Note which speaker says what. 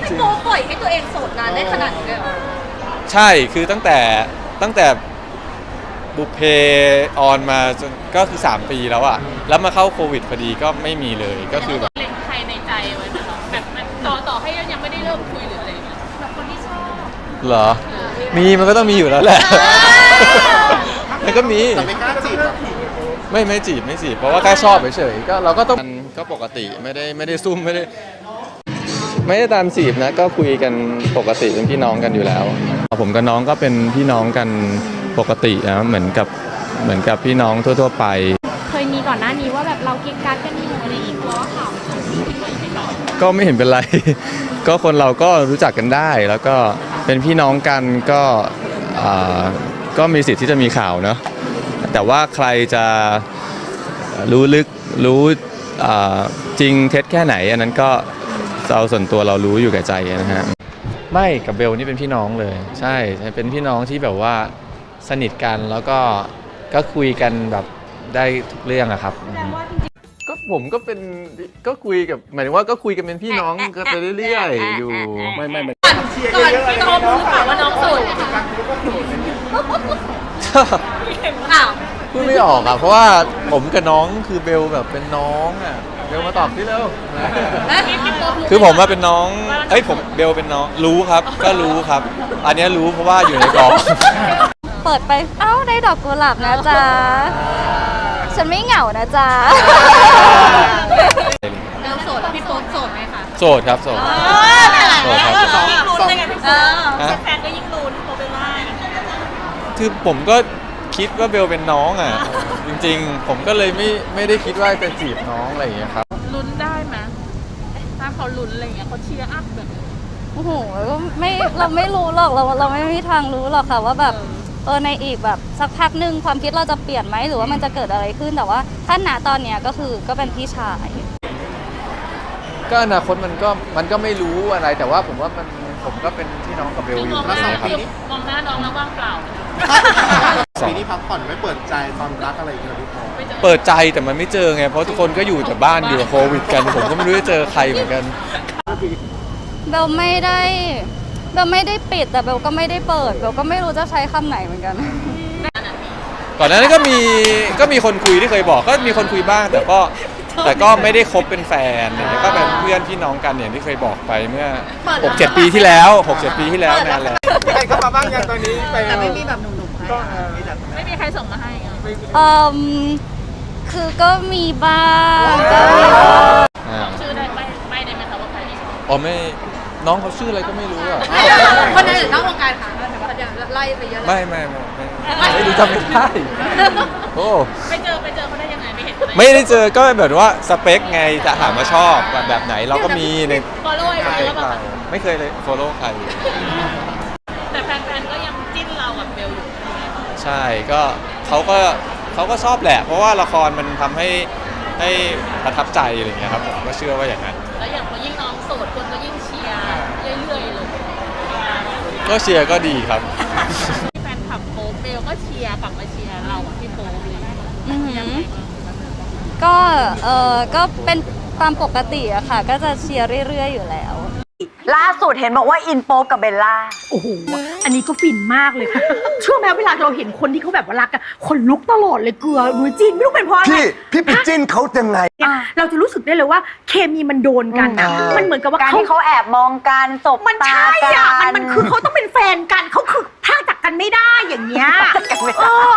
Speaker 1: พี่โป๊ปล่อยให้ตัวเองโสดนานได้ขนาดนี้เลยเหรอ
Speaker 2: ใช่คือตั้งแต่บุพเพออนมาจนก็คือ3 ปีแล้วอะแล้วมาเข้าโควิดพอดีก็ไม่มีเลยก็คือแบบ
Speaker 3: เล็งใครในใจไว้ไหมคะแบบมันต่อให้ยังไม่ได้เริ่มคุยหรืออะไรอย่างเงี้ยแบบคนที่ชอบ
Speaker 2: เหรอมันก็ต้องมีอยู่แล้วแหละมันก็มี
Speaker 4: แต่ไม่กล้าจีบหรอ
Speaker 2: ไม่จีบเพราะว่าแค่ชอบเฉยๆก็เราก็ต้องก็ปกติไม่ได้ซุ่มไม่ได้ตามจีบนะก็คุยกันปกติเป็นพี่น้องกันอยู่แล้วผมกับน้องก็เป็นพี่น้องกันปกตินะเหมือนกับพี่น้องทั่วๆไป
Speaker 3: เคยมีก่อนหน้านี้ว่าแบบเราเก่งการกันอยู่อะไรอีกเพราะว่าข่าว
Speaker 2: ก็ไม่เห็นเป็นไร ก็คนเราก็รู้จักกันได้แล้วก็เป็นพี่น้องกันก็มีสิทธิ์ที่จะมีข่าวเนาะแต่ว่าใครจะรู้ลึกรู้จริงเท็จแค่ไหนอันนั้นก็เราส่วนตัวเรารู้อยู่แก่ใจนะฮะไม่กับเบลนี่เป็นพี่น้องเลยใช่เป็นพี่น้องที่แบบว่าสนิทกันแล้วก็คุยกันแบบได้ทุกเรื่องอะครับก็ผมก็คุยกับหมายถึงว่าก็คุยกันเป็นพี่น้องกันไปเรื่อยๆอยู่ไม่
Speaker 3: ก่อนพี่โป๊ปรู้เปล่าว่าน้องโสดอ้าว
Speaker 2: พูดไม่ออกอ่ะเพราะว่าผมกับน้องคือเบลแบบเป็นน้องอ่ะเบลมาตอบที่เร็วคือผมว่าเป็นน้องผมเบลเป็นน้องรู้ครับก็รู้ครับอันนี้รู้เพราะว่าอยู่ในกอง
Speaker 5: เปิดไปได้ดอกกุหลาบนะจ๊ะฉันไม่เหงานะจ๊ะ
Speaker 3: เราโสดพี่โป๊ปโสดไหมคะ
Speaker 2: โสดครับโสดครับ
Speaker 3: ยิ่งลุ้นเลยไงพี่โป๊ปแฟนก็ยิ่งลุ้นโป๊ปเป็นว่า
Speaker 2: คือผมก็คิดว่าเบลเป็นน้องอ่ะจริงๆผมก็เลยไม่ได้คิดว่าจะจีบน้องอะไรอย่างเงี้ยครับ
Speaker 3: ลุ้นได้ไหมถ้าเขาลุ้นอะไรอย่างเงี้ยเขาเชียร์อัพแบบ
Speaker 5: โอ้โหเราไม่รู้หรอกเราไม่มีทางรู้หรอกค่ะว่าแบบในอีกแบบสักพักหนึ่งความคิดเราจะเปลี่ยนไหมหรือว่ามันจะเกิดอะไรขึ้นแต่ว่าถ้าณตอนเนี้ยก็เป็นพี่ชาย
Speaker 2: ก็อนาคตมันก็ไม่รู้อะไรแต่ว่าผมว่าผมก็เป็นพี่น้องกับเบลอยู่นะครับ
Speaker 3: มองหน้าน้องแล้วว่างเปล่า
Speaker 4: ปีนี้พักผ่อนไม่เปิดใจความรักอะไรอย่างเงี้ยพี่โป๊ป
Speaker 2: เปิดใจแต่มันไม่เจอไงเพราะทุกคนก็อยู่แต่บ้านอยู่กับโควิดกันผมก็ไม่รู้จะเจอใครเหมือนกัน
Speaker 5: เบลไม่ได้ปิดแต่เบลก็ไม่ได้เปิดเบลก็ไม่รู้จะใช้คำไหนเหมือนกัน
Speaker 2: ก่อนหน้านั้นก็มีคนคุยที่เคยบอกก็มีคนคุยบ้างแต่ก็ไม่ได้คบเป็นแฟนเนี่ยก็เป็นเพื่อนพี่น้องกันอย่างที่เคยบอกไปเมื่อ 6-7 ปีที่แล้วนานแล้ว
Speaker 4: ใครเข้ามาบ้างยังตอนนี้
Speaker 3: แต่ไม่มีแบบหนุ่มๆไม่มีใครส่งมาให้
Speaker 5: คือก็มีบ้าง
Speaker 3: ชื่อได้ไม่ได้ไหมคะว่าใคร
Speaker 2: ไม่น้องเขาชื่ออะไรก็ไม่รู้อ่ะ
Speaker 3: คนไหนหรือนอกวงการค่ะแต่ว่าไล่ไปเยอะเลย
Speaker 2: ไม่รู้จำไม่ได้โอ้
Speaker 3: ไปเจอเขาได้ยังไงไม่เห็น
Speaker 2: ไม่ได้เจอก็แบบว่าสเปคไงจะถามว่าชอบแบบไหนเราก็มีใน
Speaker 3: follow
Speaker 2: ไม่เคยเลย follow ใคร
Speaker 3: แต่แฟนๆก็ยังจิ้นเรากับเบลอยู่
Speaker 2: ใช่ก็เขาก็ชอบแหละเพราะว่าละครมันทำให้ประทับใจอะไรอย่างเงี้ยครับผมก็เชื่อว่าอย่างนั้น
Speaker 3: แล้วอย่างพอยิ่งน้องโสดคนก็ยิ่งเชียร์เรื่อยๆเลย
Speaker 2: ก็เชียร์ก็ดีครับ
Speaker 3: แฟนคลับโป๊ปเบลก็เชียร์กลับมาเชียร์เราพี่โป๊ป
Speaker 5: ก็เป็นตามปกติอะค่ะก็จะเชียร์เรื่อยๆอยู่แล้ว
Speaker 1: ล่าสุดเห็นบอกว่าอินโป๊ปกับเบลล่า
Speaker 6: โอ้โหอันนี้ก็ฟินมากเลยค่ะเชื่อไหมเวลาเราเห็นคนที่เขาแบบว่ารักกันคนลุกตลอดเลยเกลือดูจิ้นไม่รู้เป็นเพราะอะไร
Speaker 4: พี่ไปจิ้นเขายังไง
Speaker 6: เราจะรู้สึกได้เลยว่าเคมีมันโดนกันนะมันเหมือนกับว่า
Speaker 1: การที่เขาแอบมองกันสบตากัน
Speaker 6: มันคือเขาต้องเป็นแฟนกันเขาคือถ้าจากกันไม่ได้อย่างเงี้ย